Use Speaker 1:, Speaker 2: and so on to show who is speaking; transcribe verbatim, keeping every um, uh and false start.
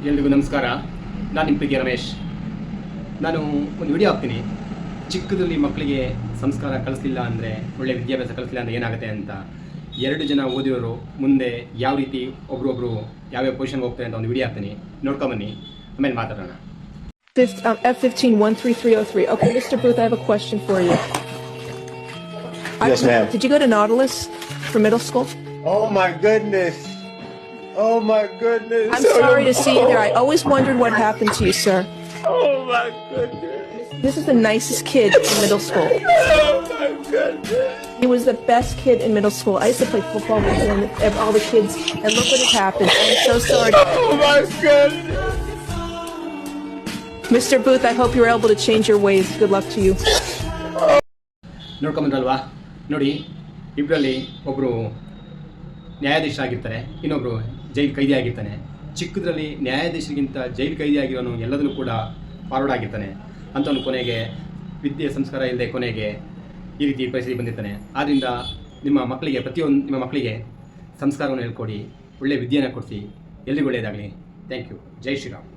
Speaker 1: ಎಲ್ರಿಗೂ ನಮಸ್ಕಾರ. ನಾನು ನಿಮ್ಮ ಪ್ರೀತಿಯ ರಮೇಶ್. ನಾನು ಒಂದು ವಿಡಿಯೋ ಹಾಕ್ತೀನಿ. ಚಿಕ್ಕದಲ್ಲಿ ಮಕ್ಕಳಿಗೆ ಸಂಸ್ಕಾರ ಕಲಿಸಲಿಲ್ಲ ಅಂದರೆ, ಒಳ್ಳೆ ವಿದ್ಯಾಭ್ಯಾಸ ಕಲಿಸಲಿಲ್ಲ ಅಂದರೆ ಏನಾಗುತ್ತೆ ಅಂತ. ಎರಡು ಜನ ಓದಿರೋರು ಮುಂದೆ ಯಾವ ರೀತಿ ಒಬ್ರೊಬ್ರು ಯಾವ್ಯಾವ ಪೊಸಿಷನ್ಗೆ ಹೋಗ್ತಾರೆ ಅಂತ ಒಂದು ವಿಡಿಯೋ ಹಾಕ್ತೀನಿ, ನೋಡ್ಕೊಂಬನ್ನಿ, ಆಮೇಲೆ ಮಾತಾಡೋಣ.
Speaker 2: Um, F fifteen one three three oh three. Okay, Mister Booth, I have a question for you.
Speaker 3: Yes, ma'am.
Speaker 2: Did you go to Nautilus for middle school?
Speaker 3: Oh my goodness. Oh my goodness.
Speaker 2: I'm sorry to see you there. I always wondered what happened to you, sir.
Speaker 3: Oh my goodness.
Speaker 2: This is the nicest kid in middle school.
Speaker 3: Oh my goodness.
Speaker 2: He was the best kid in middle school. I used to play football with him and all the kids, and look what has happened. I'm so sorry.
Speaker 3: Oh my goodness.
Speaker 2: Mister Booth, I hope you're able to change your ways. Good luck to you.
Speaker 1: ನೋಡ್ಕೊಂಬಂದ್ರಲ್ವಾ? ನೋಡಿ, ಇಬ್ಬರಲ್ಲಿ ಒಬ್ಬರು ನ್ಯಾಯಾಧೀಶರಾಗಿರ್ತಾರೆ, ಇನ್ನೊಬ್ಬರು ಜೈಲು ಕೈದಿ ಆಗಿರ್ತಾನೆ. ಚಿಕ್ಕದ್ರಲ್ಲಿ ನ್ಯಾಯಾಧೀಶರಿಗಿಂತ ಜೈಲು ಕೈದಿ ಆಗಿರೋನು ಎಲ್ಲದನ್ನು ಕೂಡ forward ಆಗಿರ್ತಾನೆ. ಅಂಥವನು ಕೊನೆಗೆ ವಿದ್ಯೆ ಸಂಸ್ಕಾರ ಇಲ್ಲದೆ ಕೊನೆಗೆ ಈ ರೀತಿ ಪರಿಸ್ಥಿತಿ ಬಂದಿರ್ತಾನೆ. ಆದ್ದರಿಂದ ನಿಮ್ಮ ಮಕ್ಕಳಿಗೆ, ಪ್ರತಿಯೊಂದು ನಿಮ್ಮ ಮಕ್ಕಳಿಗೆ ಸಂಸ್ಕಾರವನ್ನು ಹೇಳ್ಕೊಡಿ, ಒಳ್ಳೆಯ ವಿದ್ಯೆಯನ್ನು ಕೊಡಿಸಿ. ಎಲ್ರಿಗೂ ಒಳ್ಳೆಯದಾಗಲಿ. Thank you. ಜೈ ಶ್ರೀರಾಮ್.